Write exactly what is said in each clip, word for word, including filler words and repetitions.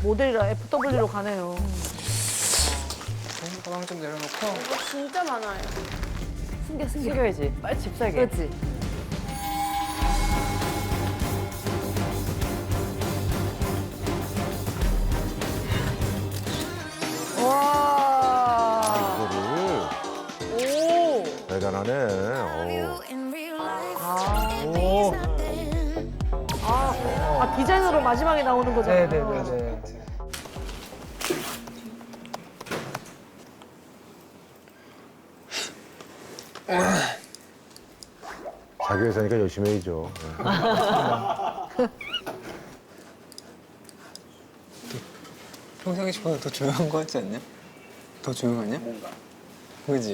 모델이라 에프더블유로 가네요. 가방 좀 내려놓고. 이거 진짜 많아요. 숨겨, 숨겨. 숨겨야지. 빨리 집 사게. 그렇지. 와. 이거를 오. 대단하네. 어. 오. 아, 아, 디자인으로 마지막에 나오는 거잖아요. 네네네네. 자기 회사니까 열심히 해야죠. 평상시보다 더 조용한 거 같지 않냐? 더 조용하냐? 뭔가. 그지?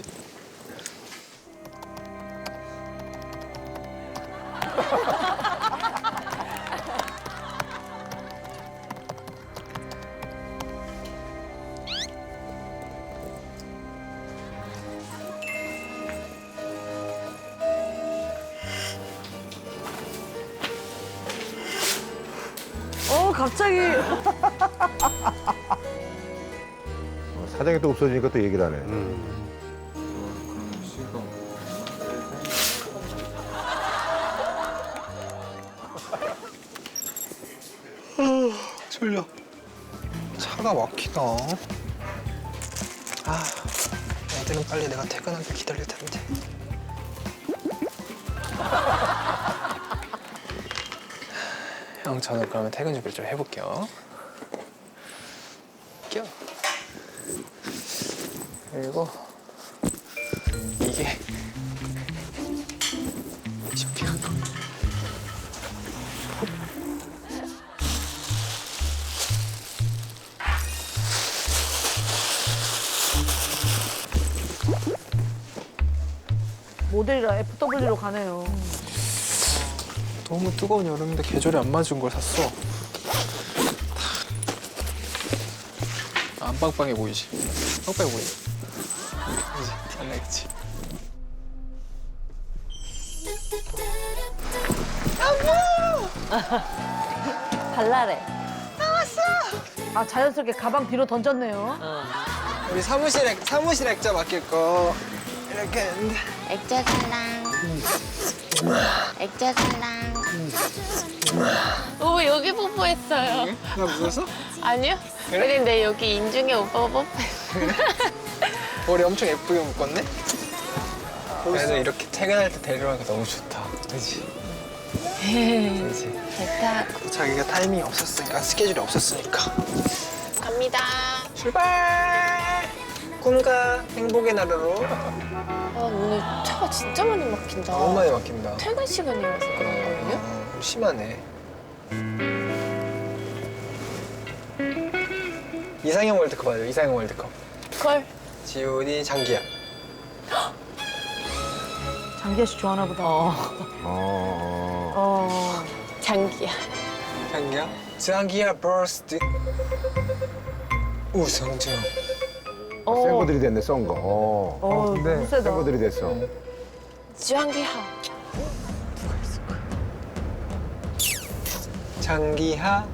어, 갑자기. 어, 사장이 또 없어지니까 또 얘기를 하네. 졸려. 차가 막히다. 아, 애들은 빨리 내가 퇴근하길 기다릴 텐데. 형, 저는 그러면 퇴근 준비를 좀 해볼게요. 껴. 그리고 이게 쇼핑한 거. 모델이라 에프더블유로 가네요. 너무 뜨거운 여름인데 계절에 안 맞은 걸 샀어. 안 빵빵해 보이지? 빵빵해 보이지? 그지? 티 안 나겠지? 발랄해. 아, 자연스럽게 가방 뒤로 던졌네요. 우리 사무실 액, 사무실 액자 맡길 거 이렇게 했는데. 액자 살랑. 액자 살랑. 오, 여기 뽀뽀했어요. 나 무서웠어? 아니요? 그래? 근데 여기 인중에 오빠가 뽀뽀했어요. 머리 엄청 예쁘게 묶었네? 그래도 이렇게 퇴근할 때 데려가니까 너무 좋다. 그지? 그지? 좋다. 자기가 타이밍이 없었으니까, 스케줄이 없었으니까. 갑니다. 출발! 꿈과 행복의 나라로. 아, 오늘 차가 진짜 많이 막힌다. 너무 많이 막힌다. 퇴근 시간이라서 그런 거예요? 어, 심하네. 이상형 월드컵 하죠, 이상형 월드컵. 걸. 지훈이, 장기야. 장기하 씨 좋아하나 보다. 어. 어, 어. 어. 장기야. 장기야? 장기야 버스트. 우성정. 어. 센 거들이 됐네, 썬 거. 어. 어, 근데 너무 세다. 센 거들이 됐어. 장기하. 장기하.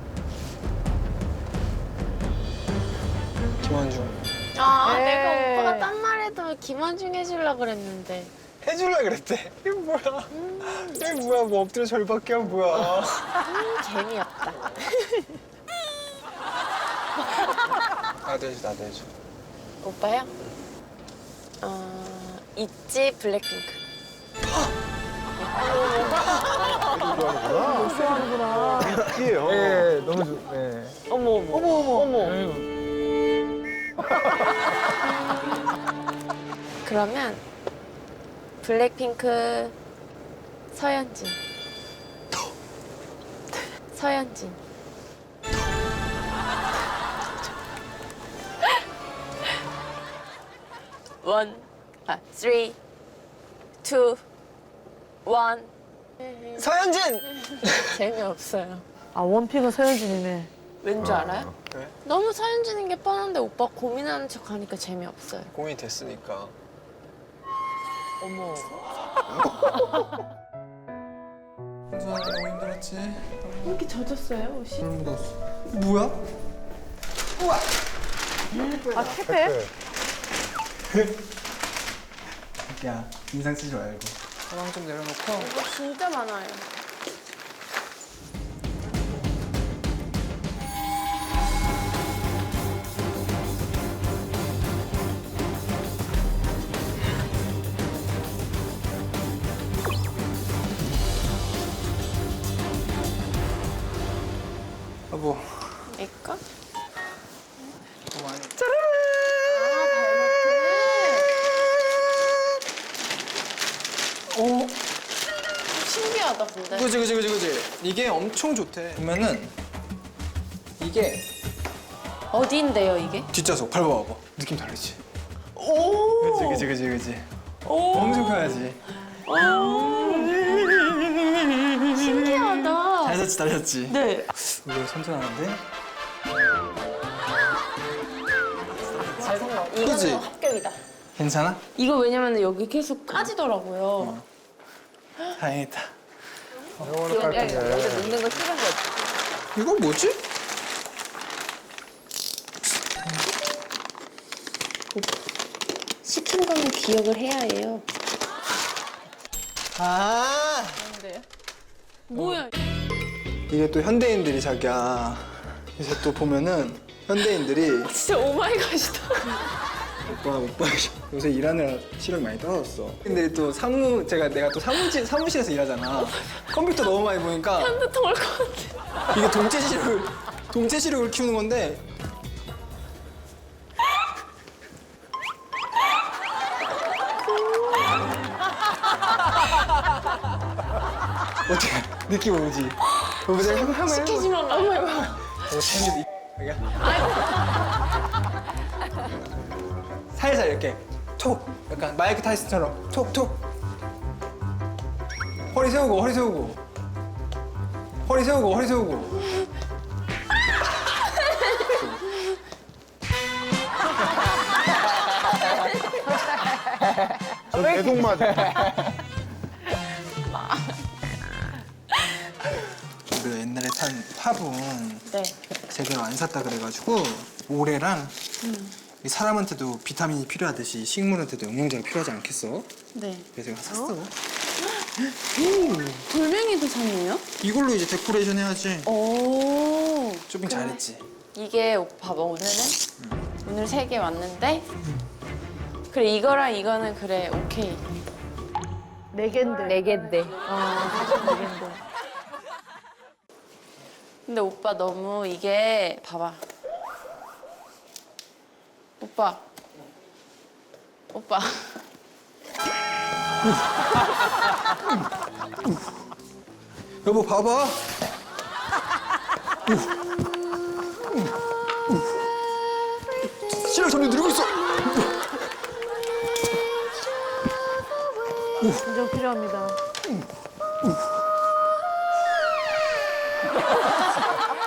김원중. 아, 에이. 내가 오빠가 딴 말해도 김원중 해주려고 그랬는데. 해줄라 그랬대. 이게 뭐야? 이게 뭐야? 뭐 엎드려 절밖에 한 뭐야? 음, 재미없다. 나도 해줘, 나도 해줘. 오빠요? 어, 있지, 블랙핑크. 좋아하는구나. 좋아하는구나. 있지요. 네, 너무 좋. 네. 어머, 어머. 어머, 어머. 어머. 그러면 블랙핑크 서현진. 서현진. 원, 아, 쓰리, 투, 원. 서현진. 재미없어요. 아, 원픽은 서현진이네. 왠 줄 알아요? 왜? 너무 서현진인 게 뻔한데 오빠 고민하는 척 하니까 재미없어요. 공이 됐으니까. 어머. 현수아 너무 힘들었지? 이렇게 젖었어요, 옷이? 너무 묻었어. 뭐야? 아, 택배? 야, 인상 쓰지 말고. 가방 좀 내려놓고. 이거 진짜 많아요. 여보, 내꺼? 너무 많이. 오. 신기하다 근데. 그지 그지 그지 그지. 이게 엄청 좋대. 보면은 이게 어디인데요 이게? 뒷좌석 밟아봐봐. 느낌 다르지? 오. 그지 그지 그지 그지. 오. 엄청 편하지. 신기하다. 잘 잤지 잘 잤지. 네. 이거 선전하는데. 잘 산다. 이거는 그치? 합격이다. 괜찮아? 이거 왜냐면 여기 계속 까지더라고요. 다행이다. 영어는 깔끔해. 여기다 넣는 거 싫은 거지. 이거 뭐지? 시킨 거는 기억을 해야 해요. 아. 뭐야? 이게 또 현대인들이 자기야. 이제 또 보면은 현대인들이 진짜 오마이갓이다. 오빠 오빠 요새 일하느라 시력이 많이 떨어졌어. 근데 또 사무 제가 내가 또 사무실 사무실에서 일하잖아. 컴퓨터 너무 많이 보니까 핸드통 올것 같아. 이게 동체 시력을 동체 시력을 키우는 건데. 어떻게 느낌 오지? 여보세요? 한번 한번 해봐. 시키지만 한번 해봐. 어, 재밌 이 살살 이렇게 톡 약간 마이크 타이슨처럼 톡톡 허리 세우고 허리 세우고 허리 세우고 허리 세우고 저 계속 맞아. 우리가 옛날에 산 화분 네. 제대로 안 샀다 그래가지고 모래랑 이 사람한테도 비타민이 필요하듯이 식물한테도 영양제가 필요하지 않겠어? 네. 그래서 제가 샀어. 돌멩이도 샀네요? 이걸로 이제 데코레이션 해야지. 오. 쇼핑 잘했지. 이게 오빠 뭐 오늘은 오늘 세 개 왔는데 그래 이거랑 이거는 그래 오케이. 네 갠데. 네 개인데. 아, 사실 네 갠데. 근데 오빠 너무 이게 봐봐. 오빠. 오빠. 여보 봐봐. 시력 점점 늘고 있어. 진정 필요합니다.